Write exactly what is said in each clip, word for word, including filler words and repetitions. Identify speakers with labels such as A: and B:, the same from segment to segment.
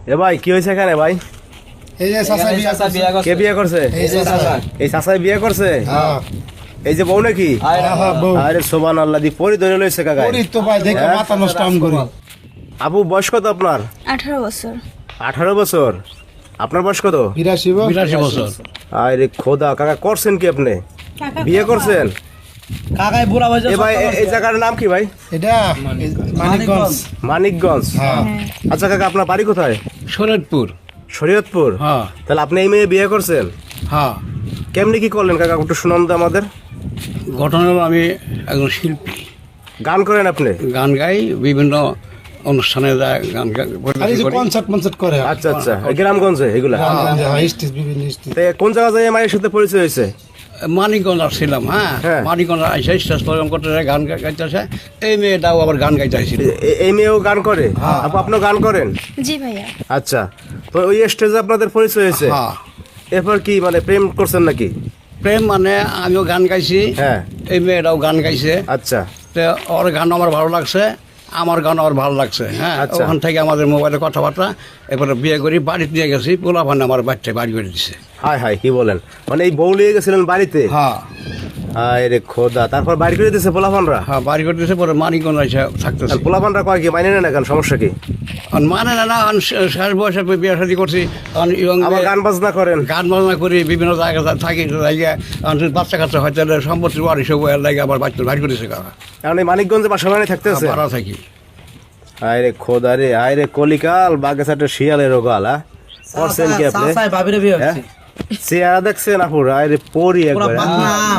A: এ ভাই কি হয়েছে এখানে ভাই?
B: এই যে চাচা বিয়া করছে।
A: কে বিয়ে করছে?
B: এই যে চাচা।
A: এই চাচাই বিয়ে করছে?
B: হ্যাঁ
A: এই যে বউ নাকি?
B: হ্যাঁ বউ।
A: আরে সুবহানাল্লাহ, দি পরি ধরে লইছে কাকা।
B: করি তো ভাই দেখে মাথা নষ্ট আম করি।
A: আপু বয়স কত আপনার?
C: আঠারো বছর।
A: আঠারো বছর। আপনার বয়স কত?
B: বিরাশি বউ।
D: বিরাশি বছর।
A: আরে খোদা, কাকা করছেন কি আপনি? বিয়ে করছেন?
D: কাকাই বুড়া বয়সে
A: এ ভাই এ- এই জায়গার নাম কি ভাই?
B: এটা মানিকগঞ্জ।
A: মানিকগঞ্জ।
B: হ্যাঁ
A: আচ্ছা কাকা, আপনার বাড়ি কোথায়?
D: শরীয়তপুর।
A: শরীয়তপুর।
D: হ্যাঁ
A: তাহলে আপনি এই মেয়ে বিয়ে করছেন?
D: হ্যাঁ।
A: কেমনি কি করলেন কাকা, একটু শুনান তো আমাদের।
D: ঘটনা হলো আমি একজন শিল্পী,
A: গান করেন আপনি?
D: গান গাই, বিভিন্ন অনুষ্ঠানে যায় গান গা-
B: আর এই
D: পরিবেশন
B: যে
D: করি।
B: কনসার্ট মনসার্ট করে
A: আচ্ছা আচ্ছা, এই গ্রামগঞ্জে এগুলা।
B: গ্রামগঞ্জে, হ্যাঁ, স্টেজ বিভিন্ন স্টেজ।
A: তে কোন জায়গা যায় মায়ের সাথে পরিচয় হয়েছে?
D: মানিকগঞ্জ আসছিলাম। হ্যাঁ
A: হ্যাঁ।
D: মানিকগঞ্জ আইসে স্টেজ প্রোগ্রাম করতে যায়, গান গা- গাইতেছে। এই মেয়েটাও আবার গান গাইতে আসছিল।
A: এ- এই মেয়েও গান করে? আপু আপনিও গান করেন?
C: জি ভাইয়া।
A: আচ্ছা, তো ওই স্টেজে আপনাদের পরিচয় হয়েছে?
D: হ্যাঁ।
A: এরপর কি মানে প্রেম করছেন নাকি?
D: প্রেম মানে আমিও গান গাইছি,
A: হ্যাঁ।
D: এই মেয়েটাও গান গাইছে।
A: আচ্ছা
D: তো ওর গান আমার ভালো লাগছে, আমার গান আমার ভালো লাগছে। হ্যাঁ
A: আচ্ছা।
D: ওখান থেকে আমাদের মোবাইলে কথাবার্তা, এরপরে বিয়ে করি, বাড়িতে দিয়ে গেছি, পোলা ভান আমার বাচ্চায় বাড়ি করে দিছে।
A: হাই হাই, কি বলেন, মানে এই বউ লিয়ে গেছিলেন বাড়িতে?
D: হ্যাঁ
A: হাই রে খোদা, তারপর বাড়ি করে দিয়েছে পোলাপানরা?
D: হ্যাঁ বাড়ি করে দিয়েছে, পরে মানিকগঞ্জ এসে থাকতেছে।
A: পোলাপানরা কয় কি মানে না, কেন সমস্যা কি?
D: আর মানে না না, আমি শেষ বয়সে বিয়ে শাদী করছি, আমি young
A: আবার
D: মেয়ে,
A: গান বাজনা করেন?
D: গান বাজনা করি, বিভিন্ন জায়গায় থাকি, জায়গায় আমি বাচ্চা কাচ্চা হয়তো সম্পত্তি বাড়ি সব লাগে, আমার বাচ্চা বাড়ি করেছে কাকা।
A: কারণ এই মানিকগঞ্জে বাসা বানিয়ে থাকতেছে?
D: ভাড়া থাকি।
A: হাই রে খোদা রে, হাই রে কলিকাল, বাগেছাটে শিয়ালের রোগাল। হ্যাঁ করছেন কি আপনি? হ্যাঁ? চেহারা দেখছেন আপুর, হাই রে পরি একবার। হ্যাঁ?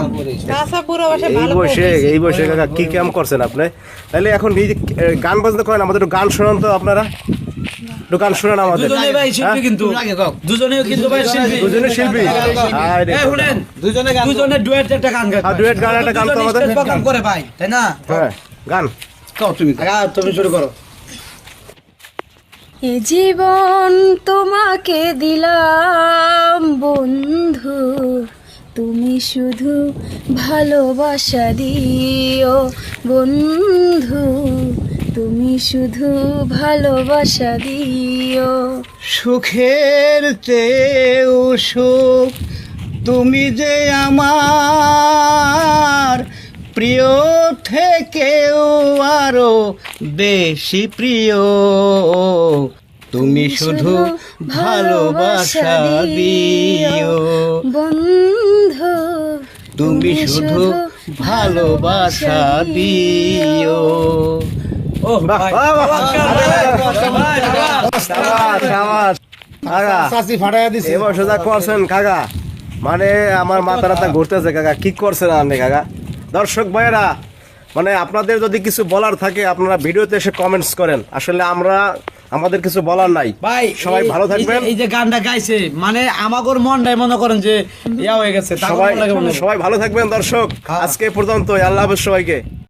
A: এই বয়সে এই বয়সে কাকা কি কাম করছেন আপনি? তাহলে এখন এই যে, এ, গান বাজনা করেন, আমাদের একটু গান শোনান তো আপনারা, একটু গান শোনান আমাদের।
E: দুজনে ভাই শিল্পী কিন্তু
D: তুমি আগে গাও।
E: দুজনেও কিন্তু ভাই শিল্পী
A: দুজনে শিল্পী? হাই রে
E: এই
A: খোদা।
E: শুনেন দুজনে গান দুজনে ডুয়েট একটা গান গায়
A: আর duet গান একটা গান তো আমাদের।
E: প্রোগ্রাম করে ভাই তাই না
A: হ্যাঁ গান।
D: গাও তুমি।
E: আগা তুমি শুরু করো
C: এ জীবন তোমাকে দিলাম বন্ধু, তুমি শুধু ভালোবাসা দিও বন্ধু, তুমি শুধু ভালোবাসা দিও।
D: সুখের চেয়েও সুখ তুমি যে আমার, প্রিয় থেকেও আরো বেশি প্রিয়, তুমি শুধু ভালোবাসা দিও
C: বন্ধু,
D: তুমি শুধু ভালোবাসা দিও।
E: ও
A: বাহ,
E: ভাই
A: বাহ, বাহ, বাহ।
E: ভাই,
A: শাবাশ, শাবাশ। কাকা,
B: চাচি ফাটাইয়া দিছে।
A: এবার সোজা করছেন কাকা, মানে আমার মাথা রাতা ঘুরতেছে কাকা, কি করছেন আপনি কাকা? দর্শক ভাইয়েরা, মানে আপনাদের যদি কিছু বলার থাকে আপনারা ভিডিওতে এসে কমেন্টস করেন, আসলে আমরা আমাদের কিছু বলার নাই।
E: ভাই
A: সবাই
E: এই-
A: ভালো
E: এই যে-
A: থাকবেন।
E: এই যে গানটা গাইছে মানে আমাগোর মনটাই মনে করেন যে ইয়া হয়ে গেছে তারপর
A: সবাই
E: মনে লাগে মনে হয়।
A: সবাই ভালো থাকবেন দর্শক, আজকে এ পর্যন্ত, আল্লাহ হাফেজ সবাইকে।